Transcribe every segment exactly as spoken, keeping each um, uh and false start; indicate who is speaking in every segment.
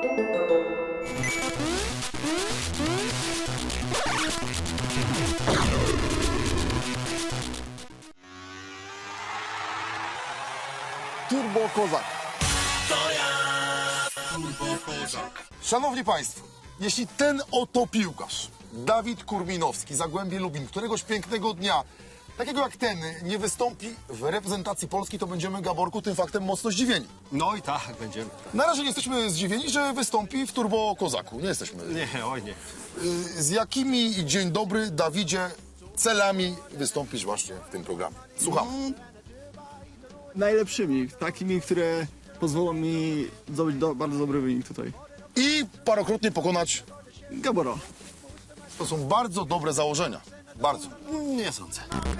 Speaker 1: Turbo Kozak.
Speaker 2: To ja, Turbo Kozak.
Speaker 3: Szanowni Państwo, jeśli ten oto piłkarz, Dawid Kurminowski, Zagłębie Lubin, któregoś pięknego dnia, takiego jak ten, nie wystąpi w reprezentacji Polski, to będziemy, Gaborku, tym faktem mocno zdziwieni.
Speaker 4: No i tak, będziemy.
Speaker 3: Na razie nie jesteśmy zdziwieni, że wystąpi w Turbo Kozaku. Nie jesteśmy.
Speaker 4: Nie, oj nie.
Speaker 3: Y, Z jakimi, dzień dobry, Dawidzie, celami wystąpisz właśnie w tym programie? Słucham.
Speaker 1: Najlepszymi, takimi, które pozwolą mi zdobyć do, bardzo dobry wynik tutaj.
Speaker 3: I parokrotnie pokonać.
Speaker 1: Gabora.
Speaker 3: To są bardzo dobre założenia. Bardzo.
Speaker 4: Nie sądzę.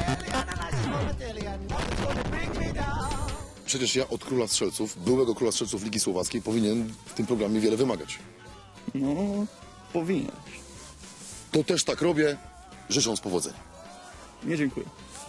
Speaker 3: Przecież ja od króla strzelców, byłego króla strzelców Ligi Słowackiej, powinien w tym programie wiele wymagać.
Speaker 1: No, powinien.
Speaker 3: To też tak robię, życząc powodzenia.
Speaker 1: Nie dziękuję.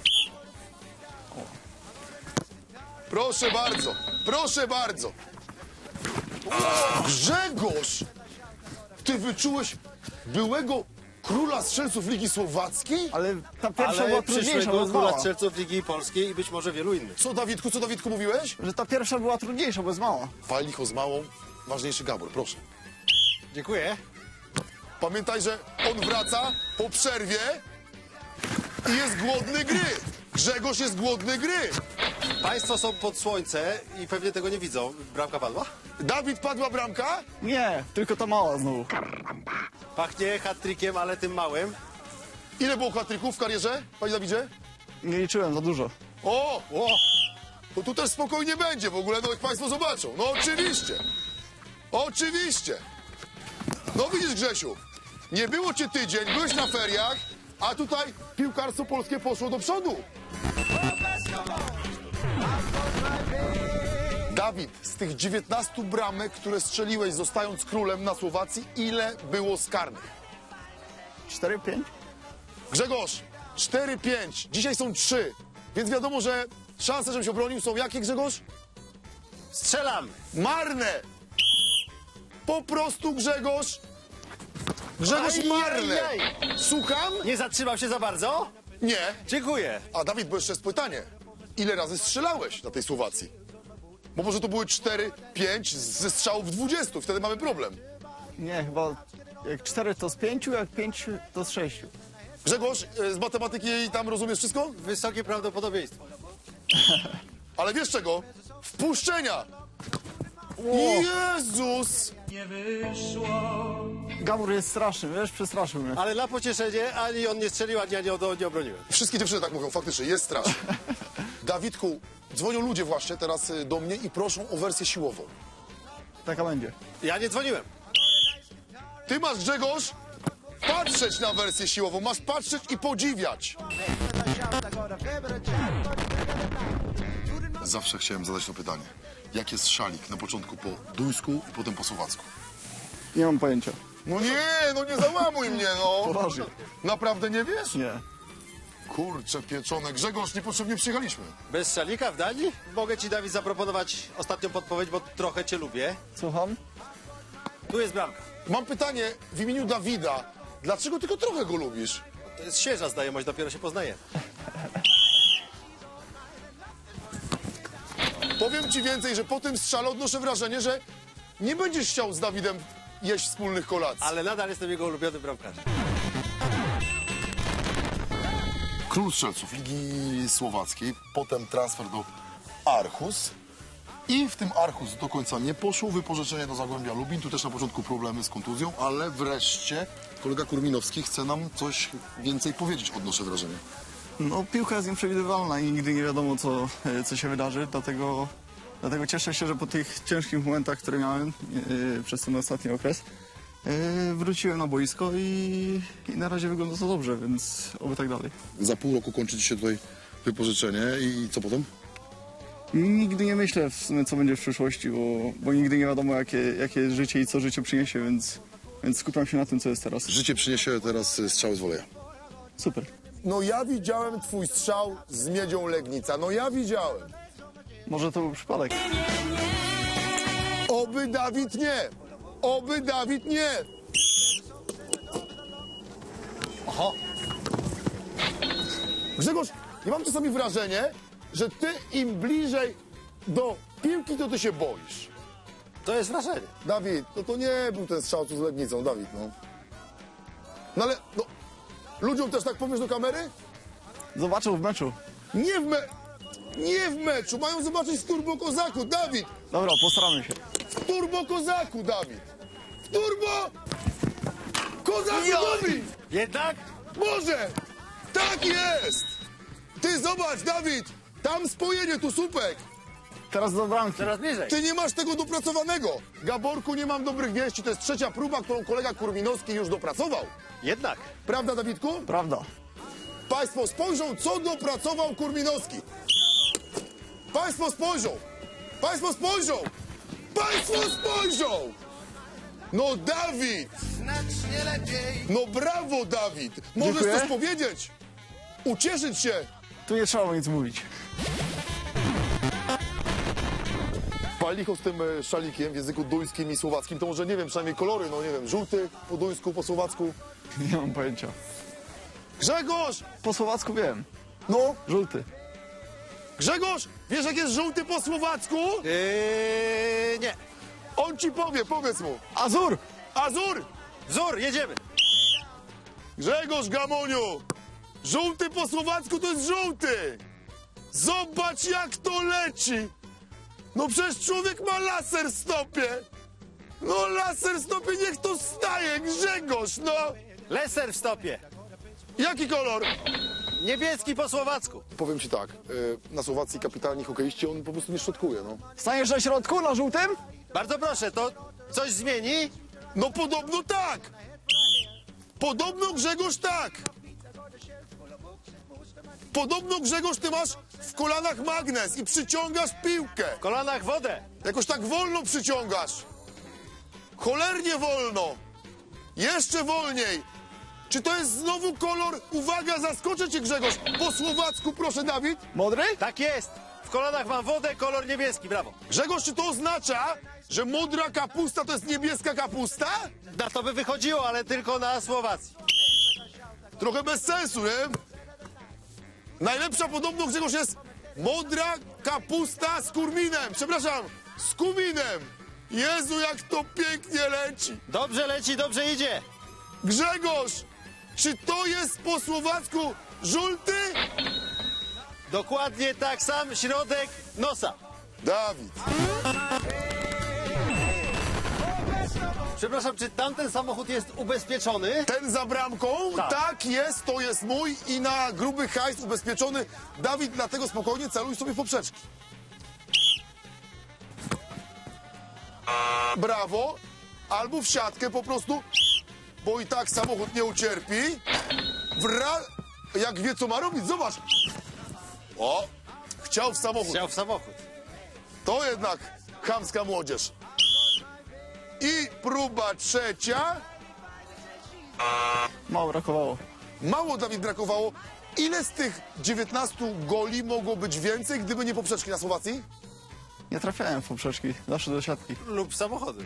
Speaker 3: Proszę bardzo, proszę bardzo. O, Grzegorz! Ty wyczułeś byłego króla strzelców Ligi Słowackiej?
Speaker 1: Ale ta pierwsza była
Speaker 4: Ale
Speaker 1: trudniejsza,
Speaker 4: przyszłego
Speaker 1: bo jest
Speaker 4: króla
Speaker 1: mała.
Speaker 4: strzelców Ligi Polskiej i być może wielu innych.
Speaker 3: Co, Dawidku, co, Dawidku, mówiłeś?
Speaker 1: Że ta pierwsza była trudniejsza, bo jest mała.
Speaker 3: Pal licho z małą, ważniejszy Gabor, proszę.
Speaker 4: Dziękuję.
Speaker 3: Pamiętaj, że on wraca po przerwie i jest głodny gry. Grzegorz jest głodny gry.
Speaker 4: Państwo są pod słońce i pewnie tego nie widzą. Bramka padła?
Speaker 3: Dawid, padła bramka?
Speaker 1: Nie, tylko ta mała znowu.
Speaker 4: Pachnie hat-trickiem, ale tym małym.
Speaker 3: Ile było hat-tricków w karierze, panie Dawidzie?
Speaker 1: Nie liczyłem za dużo.
Speaker 3: O,
Speaker 4: O!
Speaker 3: to tu też spokojnie będzie w ogóle, no jak państwo zobaczą. No oczywiście. Oczywiście. No widzisz, Grzesiu, nie było cię tydzień, byłeś na feriach, a tutaj piłkarstwo polskie poszło do przodu. Dawid, z tych dziewiętnastu bramek, które strzeliłeś zostając królem na Słowacji, ile było z karnych?
Speaker 1: Cztery, pięć?
Speaker 3: Grzegorz, cztery pięć, dzisiaj są trzy, więc wiadomo, że szanse, żebym się obronił, są jakie, Grzegorz?
Speaker 4: Strzelam!
Speaker 3: Marne! Po prostu, Grzegorz! Grzegorz,
Speaker 4: Aj,
Speaker 3: marne!
Speaker 4: aj,
Speaker 3: Słucham?
Speaker 4: Nie zatrzymał się za bardzo?
Speaker 3: Nie.
Speaker 4: Dziękuję.
Speaker 3: A Dawid, bo jeszcze jest pytanie. Ile razy strzelałeś na tej Słowacji? Bo może to były cztery, pięć ze strzałów dwudziestu, wtedy mamy problem.
Speaker 1: Nie, chyba jak cztery to z pięciu, jak pięć to z sześciu.
Speaker 3: Grzegorz, e, z matematyki tam rozumiesz wszystko?
Speaker 4: Wysokie prawdopodobieństwo.
Speaker 3: Ale wiesz czego? Wpuszczenia! Jezus!
Speaker 1: Gabor jest straszny, wiesz, przestraszył mnie.
Speaker 4: Ale na pocieszenie ani on nie strzelił, ani ja nie, od- nie obroniłem.
Speaker 3: Wszystkie dziewczyny tak mówią, faktycznie, jest strasznie. Dawidku, dzwonią ludzie właśnie teraz y, do mnie i proszą o wersję siłową.
Speaker 1: Taka będzie.
Speaker 4: Ja nie dzwoniłem.
Speaker 3: Ty masz, Grzegorz, patrzeć na wersję siłową, masz patrzeć i podziwiać. Zawsze chciałem zadać to pytanie. Jak jest szalik na początku po duńsku i potem po słowacku?
Speaker 1: Nie mam pojęcia.
Speaker 3: No nie, no nie załamuj mnie, no.
Speaker 1: Poważnie.
Speaker 3: Naprawdę nie wiesz?
Speaker 1: Nie.
Speaker 3: Kurczę pieczone. Grzegorz, niepotrzebnie przyjechaliśmy.
Speaker 4: Bez szalika w Danii? Mogę ci, Dawid, zaproponować ostatnią podpowiedź, bo trochę cię lubię.
Speaker 1: Słucham?
Speaker 4: Tu jest bramka.
Speaker 3: Mam pytanie w imieniu Dawida. Dlaczego tylko trochę go lubisz?
Speaker 4: To jest świeża znajomość, dopiero się poznaje.
Speaker 3: Powiem ci więcej, że po tym strzale odnoszę wrażenie, że nie będziesz chciał z Dawidem jeść wspólnych kolacji.
Speaker 4: Ale nadal jestem jego ulubionym bramkarzem.
Speaker 3: Król strzelców Ligi Słowackiej, potem transfer do Aarhus i w tym Aarhus do końca nie poszło, wypożyczenie do Zagłębia Lubin, tu też na początku problemy z kontuzją, ale wreszcie kolega Kurminowski chce nam coś więcej powiedzieć, odnoszę wrażenie.
Speaker 1: No, piłka jest nieprzewidywalna i nigdy nie wiadomo, co, e, co się wydarzy, dlatego, dlatego cieszę się, że po tych ciężkich momentach, które miałem e, przez ten ostatni okres, e, wróciłem na boisko i, i na razie wygląda to dobrze, więc oby tak dalej.
Speaker 3: Za pół roku kończy ci się tutaj wypożyczenie i co potem?
Speaker 1: Nigdy nie myślę w sumie, co będzie w przyszłości, bo, bo nigdy nie wiadomo, jakie, jakie jest życie i co życie przyniesie, więc, więc skupiam się na tym, co jest teraz.
Speaker 3: Życie przyniesie teraz strzały z woleja.
Speaker 1: Super.
Speaker 3: No ja widziałem twój strzał z Miedzią Legnica, no ja widziałem.
Speaker 1: Może to był przypadek.
Speaker 3: Oby Dawid nie. Oby Dawid nie.
Speaker 4: Oho.
Speaker 3: Grzegorz, ja mam czasami wrażenie, że ty im bliżej do piłki, to ty się boisz.
Speaker 4: To jest wrażenie.
Speaker 3: Dawid, no to nie był ten strzał tu z Legnicą, Dawid, no. No ale, no, ludziom też tak powiesz do kamery?
Speaker 1: Zobaczył w meczu.
Speaker 3: Nie w me... Nie w meczu, mają zobaczyć w Turbo Kozaku, Dawid!
Speaker 1: Dobra, postaramy się.
Speaker 3: W Turbo Kozaku, Dawid! W Turbo Kozaku, Dawid!
Speaker 4: Jednak?
Speaker 3: Może! Tak jest! Ty zobacz, Dawid! Tam spojenie, tu słupek!
Speaker 1: Teraz do bramki.
Speaker 4: Teraz bliżej.
Speaker 3: Ty nie masz tego dopracowanego! Gaborku, nie mam dobrych wieści, to jest trzecia próba, którą kolega Kurminowski już dopracował.
Speaker 4: Jednak.
Speaker 3: Prawda, Dawidku?
Speaker 1: Prawda.
Speaker 3: Państwo spojrzą, co dopracował Kurminowski. Państwo spojrzą! Państwo spojrzą! Państwo spojrzą! No Dawid! No brawo, Dawid! Możesz
Speaker 1: Dziękuję.
Speaker 3: coś powiedzieć? Ucieszyć się!
Speaker 1: Tu nie trzeba nic mówić.
Speaker 3: Palicho z tym e, szalikiem w języku duńskim i słowackim, to może nie wiem, przynajmniej kolory, no nie wiem, żółty po duńsku, po słowacku.
Speaker 1: Nie mam pojęcia.
Speaker 3: Grzegorz!
Speaker 1: Po słowacku wiem.
Speaker 3: No,
Speaker 1: Żółty.
Speaker 3: Grzegorz! Wiesz, jak jest żółty po słowacku?
Speaker 4: Yy, nie.
Speaker 3: On ci powie, powiedz mu.
Speaker 1: Azur!
Speaker 3: Azur!
Speaker 4: Wzór, jedziemy.
Speaker 3: Grzegorz Gamoniu! Żółty po słowacku to jest żółty! Zobacz, jak to leci! No przecież człowiek ma laser w stopie! No laser w stopie, niech to staje, Grzegorz, no!
Speaker 4: Leser w stopie.
Speaker 3: Jaki kolor?
Speaker 4: Niebieski po słowacku.
Speaker 3: Powiem ci tak, na Słowacji kapitalni hokeiści, on po prostu nie szczotkuje, no.
Speaker 1: Staniesz na środku, na żółtym?
Speaker 4: Bardzo proszę, to coś zmieni?
Speaker 3: No podobno tak! Podobno, Grzegorz, tak! Podobno, Grzegorz, ty masz w kolanach magnes i przyciągasz piłkę.
Speaker 4: W kolanach wodę.
Speaker 3: Jakoś tak wolno przyciągasz. Cholernie wolno. Jeszcze wolniej. Czy to jest znowu kolor? Uwaga, zaskoczę cię, Grzegorz. Po słowacku, proszę, Dawid.
Speaker 1: Modry?
Speaker 4: Tak jest. W kolanach mam wodę, kolor niebieski, brawo.
Speaker 3: Grzegorz, czy to oznacza, że modra kapusta to jest niebieska kapusta?
Speaker 4: Na to by wychodziło, ale tylko na Słowacji.
Speaker 3: Trochę bez sensu, nie? Najlepsza podobno, Grzegorz, jest modra kapusta z kurminem. Przepraszam, z kuminem. Jezu, jak to pięknie leci.
Speaker 4: Dobrze leci, dobrze idzie.
Speaker 3: Grzegorz, czy to jest po słowacku żółty?
Speaker 4: Dokładnie tak sam, środek nosa.
Speaker 3: Dawid.
Speaker 4: Przepraszam, czy tamten samochód jest ubezpieczony?
Speaker 3: Ten za bramką?
Speaker 4: Tak.
Speaker 3: Tak jest, to jest mój i na gruby hajs ubezpieczony. Dawid, dlatego spokojnie celuj sobie w poprzeczki. Brawo. Albo w siatkę po prostu, bo i tak samochód nie ucierpi. Wra... Jak wie, co ma robić, zobacz. O, chciał w samochód.
Speaker 4: Chciał w samochód.
Speaker 3: To jednak chamska młodzież. I próba trzecia.
Speaker 1: Mało brakowało.
Speaker 3: Mało, Dawid, brakowało. Ile z tych dziewiętnastu goli mogło być więcej, gdyby nie poprzeczki na Słowacji?
Speaker 1: Nie trafiałem w poprzeczki. Zawsze do siatki.
Speaker 4: Lub samochody.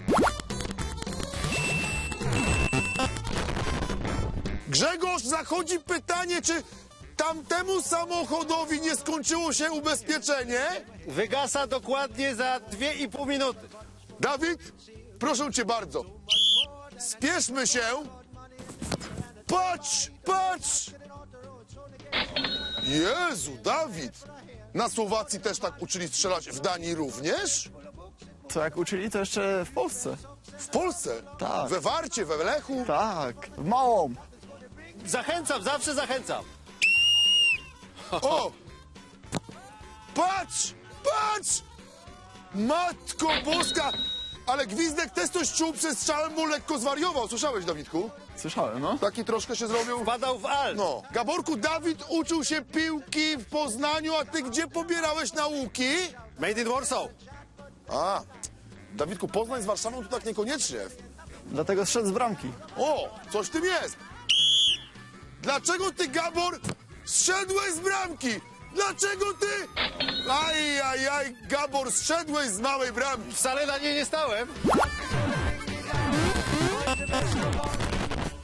Speaker 3: Grzegorz, zachodzi pytanie, czy tamtemu samochodowi nie skończyło się ubezpieczenie?
Speaker 4: Wygasa dokładnie za dwie i pół minuty.
Speaker 3: Dawid, proszę cię bardzo. Spieszmy się. Patrz, patrz. Jezu, Dawid. Na Słowacji też tak uczyli strzelać, w Danii również?
Speaker 1: Co jak uczyli, to jeszcze w Polsce.
Speaker 3: W Polsce?
Speaker 1: Tak.
Speaker 3: We Warcie, we Lechu?
Speaker 1: Tak. W małą.
Speaker 4: Zachęcam, zawsze zachęcam.
Speaker 3: O! Patrz! Patrz! Matko Boska! Ale Gwizdek też coś czuł przez strzałem, bo lekko zwariował. Słyszałeś, Dawidku?
Speaker 1: Słyszałem, no.
Speaker 3: Taki troszkę się zrobił.
Speaker 4: Padał w alt.
Speaker 3: No. Gaborku, Dawid uczył się piłki w Poznaniu, a ty gdzie pobierałeś nauki?
Speaker 4: Made in Warsaw.
Speaker 3: A, Dawidku, Poznań z Warszawą to tak niekoniecznie.
Speaker 1: Dlatego zszedł z bramki.
Speaker 3: O, coś w tym jest. Dlaczego ty, Gabor, zszedłeś z bramki? Dlaczego ty? Aj, aj, aj, Gabor, zszedłeś z małej bramki.
Speaker 4: Wcale na niej nie stałem.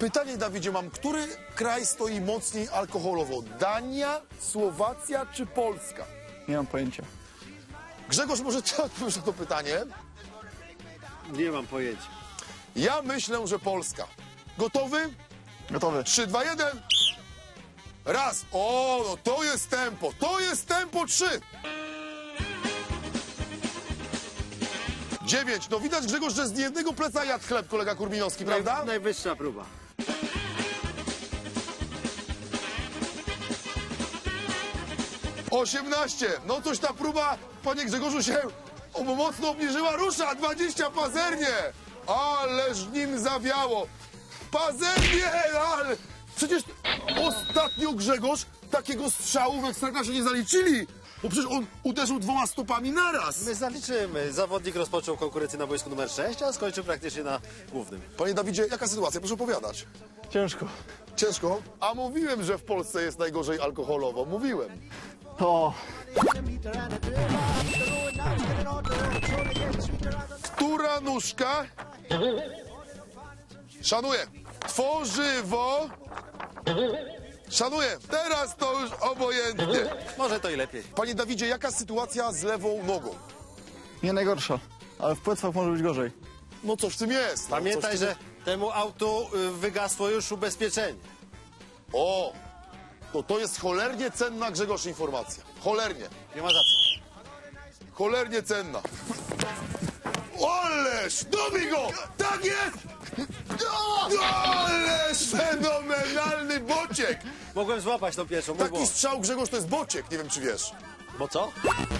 Speaker 3: Pytanie, Dawidzie, mam, który kraj stoi mocniej alkoholowo? Dania, Słowacja czy Polska?
Speaker 1: Nie mam pojęcia.
Speaker 3: Grzegorz, może ty odpowiesz na to pytanie?
Speaker 4: Nie mam pojęcia.
Speaker 3: Ja myślę, że Polska. Gotowy?
Speaker 1: Gotowy.
Speaker 3: trzy, dwa, jeden. Raz. O, no to jest tempo. To jest tempo trzy. dziewięć. No widać, Grzegorz, że z jednego pleca jadł chleb kolega Kurminowski, prawda?
Speaker 4: Naj, najwyższa próba.
Speaker 3: osiemnaście. No coś ta próba, panie Grzegorzu, się o, mocno obniżyła. Rusza. dwadzieścia pazernie. Ależ nim zawiało. Pazernie, ale... Przecież ostatnio, Grzegorz, takiego strzału w Ekstraklasie nie zaliczyli. Bo przecież on uderzył dwoma stopami naraz.
Speaker 4: My zaliczymy. Zawodnik rozpoczął konkurencję na boisku numer sześć, a skończył praktycznie na głównym.
Speaker 3: Panie Dawidzie, jaka sytuacja? Proszę opowiadać.
Speaker 1: Ciężko.
Speaker 3: Ciężko? A mówiłem, że w Polsce jest najgorzej alkoholowo. Mówiłem.
Speaker 1: O,
Speaker 3: Która nóżka? Szanuję. Tworzywo. Szanuję. Teraz to już obojętnie.
Speaker 4: Może to i lepiej.
Speaker 3: Panie Dawidzie, jaka sytuacja z lewą nogą?
Speaker 1: nie najgorsza. Ale w płetwach może być gorzej.
Speaker 3: No coś w tym jest. No,
Speaker 4: Pamiętaj,
Speaker 3: coś w tym
Speaker 4: że temu autu y, wygasło już ubezpieczenie.
Speaker 3: O! To to jest cholernie cenna, Grzegorz, informacja. Cholernie.
Speaker 4: Nie ma za co.
Speaker 3: Cholernie cenna. Ależ! Dobi go! Tak jest! Ależ! Fenomenalny bociek!
Speaker 4: Mogłem złapać tą pierwszą, mój
Speaker 3: Taki
Speaker 4: błąd.
Speaker 3: strzał, Grzegorz, to jest bociek. Nie wiem, czy wiesz.
Speaker 4: Bo co?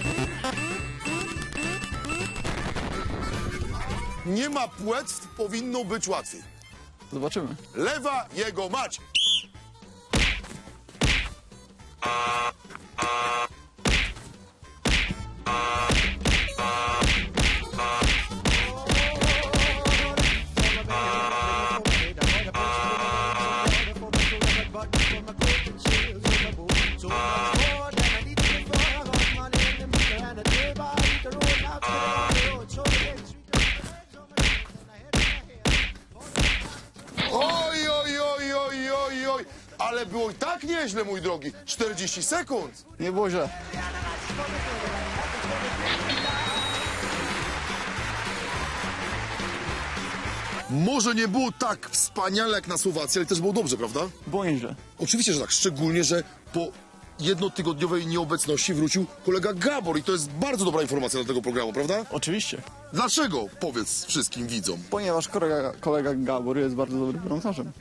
Speaker 3: Nie ma płetw, powinno być łatwiej.
Speaker 1: Zobaczymy.
Speaker 3: Lewa jego mać. Oj, oj, oj, oj, oj, oj. Ale było i tak nieźle, mój drogi. czterdzieści sekund.
Speaker 1: Nie było źle.
Speaker 3: Może nie było tak wspaniale jak na Słowacji, ale też było dobrze, prawda?
Speaker 1: Było nieźle.
Speaker 3: Oczywiście, że tak. Szczególnie, że po jednotygodniowej nieobecności wrócił kolega Gabor i to jest bardzo dobra informacja dla tego programu, prawda?
Speaker 1: Oczywiście.
Speaker 3: Dlaczego? Powiedz wszystkim widzom.
Speaker 1: Ponieważ kolega, kolega Gabor jest bardzo dobrym bramkarzem.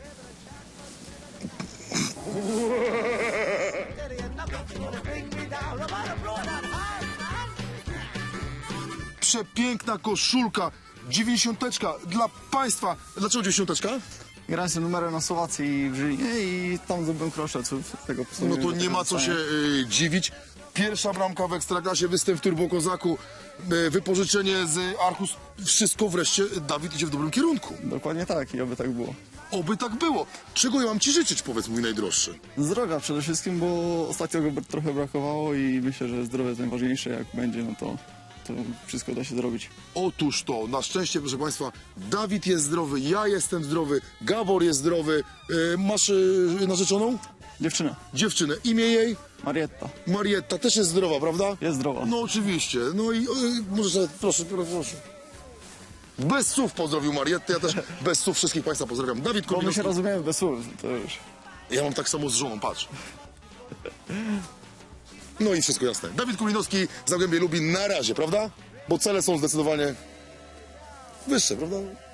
Speaker 3: Przepiękna koszulka, dziewięćdziesiąteczka dla państwa. Dlaczego dziewięćdziesiąteczka?
Speaker 1: Grałem z tym numerem na Słowacji i w Żylinie i tam zdobyłem kroszeców. Tego
Speaker 3: No to nie ma co się y, dziwić. Pierwsza bramka w Ekstraklasie, występ w Turbo Kozaku, y, wypożyczenie z Archus. Wszystko wreszcie, Dawid idzie w dobrym kierunku.
Speaker 1: Dokładnie tak i oby tak było.
Speaker 3: Oby tak było. Czego ja mam ci życzyć, powiedz, mój najdroższy?
Speaker 1: Zdrowia przede wszystkim, bo ostatnio go trochę brakowało i myślę, że zdrowie jest najważniejsze. Jak będzie, no to, to wszystko da się zrobić.
Speaker 3: Otóż to, na szczęście, proszę państwa, Dawid jest zdrowy, ja jestem zdrowy, Gabor jest zdrowy. Y, masz y, narzeczoną?
Speaker 1: Dziewczyna,
Speaker 3: Dziewczynę. Imię jej?
Speaker 1: Marietta,
Speaker 3: Marietta też jest zdrowa, prawda?
Speaker 1: jest zdrowa.
Speaker 3: No oczywiście. No i y, może sobie, proszę, proszę, proszę. Bez słów pozdrowił Marietę, ja też bez słów wszystkich państwa pozdrawiam. Dawid
Speaker 1: Bo my się
Speaker 3: Kurminowski.
Speaker 1: rozumiemy bez słów, to już.
Speaker 3: Ja mam tak samo z żoną, patrz. No i wszystko jasne. Dawid Kurminowski, Zagłębie Lubin na razie, prawda? Bo cele są zdecydowanie wyższe, prawda?